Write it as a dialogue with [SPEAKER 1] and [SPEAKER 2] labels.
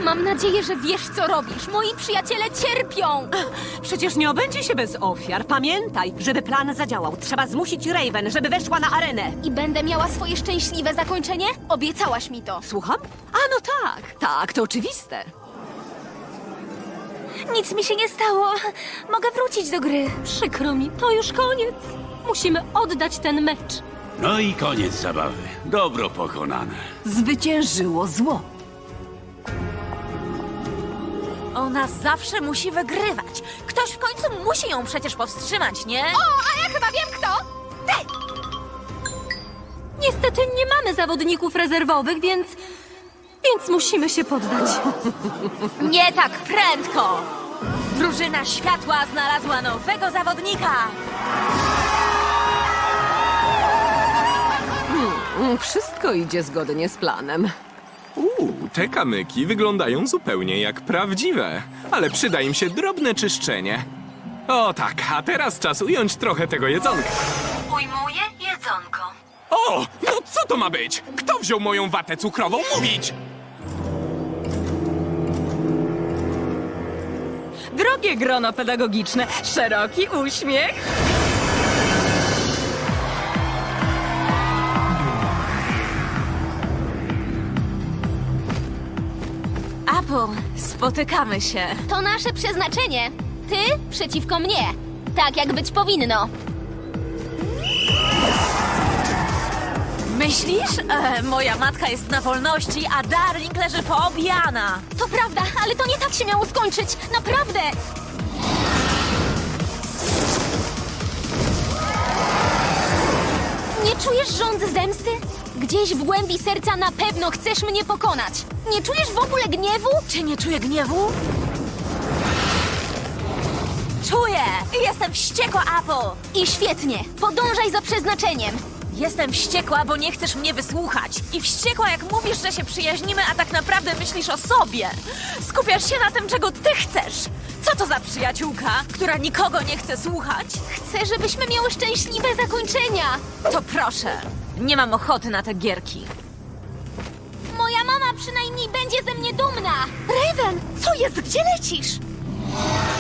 [SPEAKER 1] Mam nadzieję, że wiesz, co robisz. Moi przyjaciele cierpią!
[SPEAKER 2] Przecież nie obędzie się bez ofiar. Pamiętaj, żeby plan zadziałał. Trzeba zmusić Raven, żeby weszła na arenę.
[SPEAKER 1] I będę miała swoje szczęśliwe zakończenie? Obiecałaś mi to.
[SPEAKER 2] Słucham? A no tak, tak, to oczywiste.
[SPEAKER 1] Nic mi się nie stało. Mogę wrócić do gry.
[SPEAKER 3] Przykro mi, to już koniec. Musimy oddać ten mecz.
[SPEAKER 4] No i koniec zabawy. Dobro pokonane.
[SPEAKER 2] Zwyciężyło zło.
[SPEAKER 5] Ona zawsze musi wygrywać. Ktoś w końcu musi ją przecież powstrzymać, nie?
[SPEAKER 1] O, a ja chyba wiem kto!
[SPEAKER 3] Niestety nie mamy zawodników rezerwowych, więc musimy się poddać.
[SPEAKER 5] Nie tak prędko! Drużyna światła znalazła nowego zawodnika!
[SPEAKER 2] Wszystko idzie zgodnie z planem.
[SPEAKER 6] Te kamyki wyglądają zupełnie jak prawdziwe, ale przyda im się drobne czyszczenie. O tak, a teraz czas ująć trochę tego jedzonka.
[SPEAKER 5] Ujmuję jedzonko.
[SPEAKER 6] O, no co to ma być? Kto wziął moją watę cukrową? Mówić!
[SPEAKER 2] Drogie grono pedagogiczne, szeroki uśmiech.
[SPEAKER 5] Apple, spotykamy się.
[SPEAKER 1] To nasze przeznaczenie. Ty przeciwko mnie. Tak jak być powinno.
[SPEAKER 5] Myślisz? Moja matka jest na wolności, a Darling leży poobijana.
[SPEAKER 1] To prawda, ale to nie tak się miało skończyć. Naprawdę! Nie czujesz żądzy zemsty? Gdzieś w głębi serca na pewno chcesz mnie pokonać. Nie czujesz w ogóle gniewu?
[SPEAKER 5] Czy nie czuję gniewu? Czuję! Jestem wściekła, Apple!
[SPEAKER 1] I świetnie. Podążaj za przeznaczeniem.
[SPEAKER 5] Jestem wściekła, bo nie chcesz mnie wysłuchać. I wściekła, jak mówisz, że się przyjaźnimy, a tak naprawdę myślisz o sobie. Skupiasz się na tym, czego ty chcesz. Co to za przyjaciółka, która nikogo nie chce słuchać?
[SPEAKER 1] Chcę, żebyśmy miały szczęśliwe zakończenia.
[SPEAKER 5] To proszę, nie mam ochoty na te gierki.
[SPEAKER 1] Moja mama przynajmniej będzie ze mnie dumna. Raven, co jest? Gdzie lecisz?